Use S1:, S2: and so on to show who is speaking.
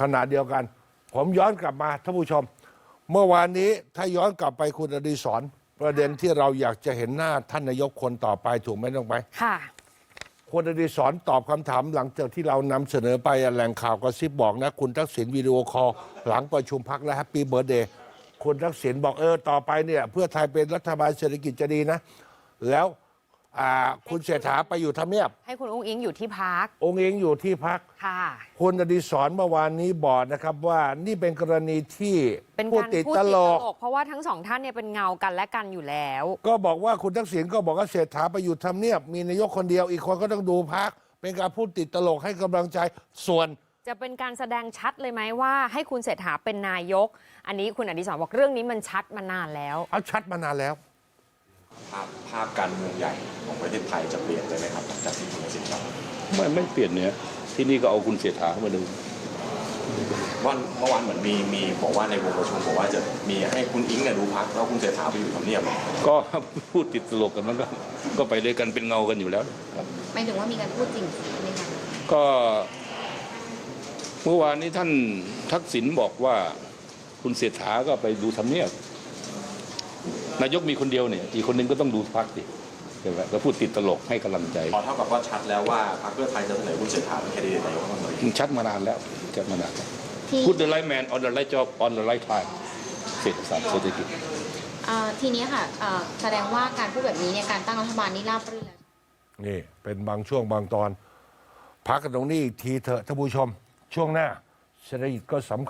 S1: ขณะเดียวกันผมย้อนกลับมาท่านผู้ชมเมื่อวานนี้ถ้าย้อนกลับไปคุณอดิศรประเด็นที่เราอยากจะเห็นหน้าท่านนายกคนต่อไปถูกไหมน้องไป
S2: ค่ะ
S1: คุณอดิศรตอบคำถามหลังจากที่เรานำเสนอไปแหล่งข่าวกระซิบบอกนะคุณทักษิณวิดีโอคอลหลังประชุมพักและแฮปปี้เบิร์ธเดย์คุณทักษิณบอกต่อไปเนี่ยเพื่อไทยเป็นรัฐบาลเศรษฐกิจจะดีนะแล้วคุณเศรษฐาไปอยู่ทำเนียบ
S2: ให้คุณอุ้งอิงอยู่ที่พัก
S1: องค์เองอยู่ที่พัก
S2: ค่ะ
S1: คุณอดิศรเมื่อวานนี้บอกนะครับว่านี่เป็นกรณีที่
S2: เป็นการพูดติดตลกเพราะว่าทั้งสองท่านเนี่ยเป็นเงากันและกันอยู่แล้ว
S1: ก็บอกว่าคุณทักษิณก็บอกว่าเศรษฐาไปอยู่ทำเนียบมีนายกคนเดียวอีกคนก็ต้องดูพักเป็นการพูดติดตลกให้กำลังใจส่วน
S2: จะเป็นการแสดงชัดเลยไหมว่าให้คุณเศรษฐาเป็นนายกอันนี้คุณอดิศรบอกเรื่องนี้มันชัดมานานแล้ว
S1: ชัดมานานแล้ว
S3: ภาพการเมืองใหญ่ของประเทศไทยจะเปลี่ยนเลยไหมครับจากที่คุณสิทธิ์ครับ
S4: ไม่เปลี่ยนเนี่ยที่นี่ก็เอาคุณเศรษฐาเข้ามาดู
S3: วันเมื่อวานเหมือนมีบอกว่าในวงประชุมบอกว่าจะมีให้คุณอิงดูพักแล้วคุณเศรษฐาไปอยู่ทำเนียบ
S4: ก็พูดติดตลกกันมันก็ไปด้วยกันเป็นเงากันอยู่แล้วครับ
S5: หมายถึงว่ามีการพูดจริงไหมคะ
S4: ก็เมื่อวานนี้ท่านทักษิณบอกว่าคุณเศรษฐาก็ไปดูทำเนียบนายกมีคนเดียวเนี่ยอีกคนนึงก็ต้องดูพรรคดิใช่ไหมก็พูดติดตลกให้กำลังใจ
S3: เท่ากับว่าชัดแล้วว่าพรรคเพื่อไทยจะเสนอคุณเศรษฐาเป็นแคนดิเดตนายกรัฐมนตรี
S4: ชัดมานานแล้วชัดมานานพูด the right man on the right job on the right time เศรษฐกิจ
S5: ทีนี้ค่ะแสดงว่าการพูดแบบนี้เนี่ยการตั้งรัฐบาลนี่ราบรื่นแล้ว
S1: นี่เป็นบางช่วงบางตอนพักกันตรงนี้อีกทีเถอะท่านผู้ชมช่วงหน้าเศรษฐกิจก็สำคัญ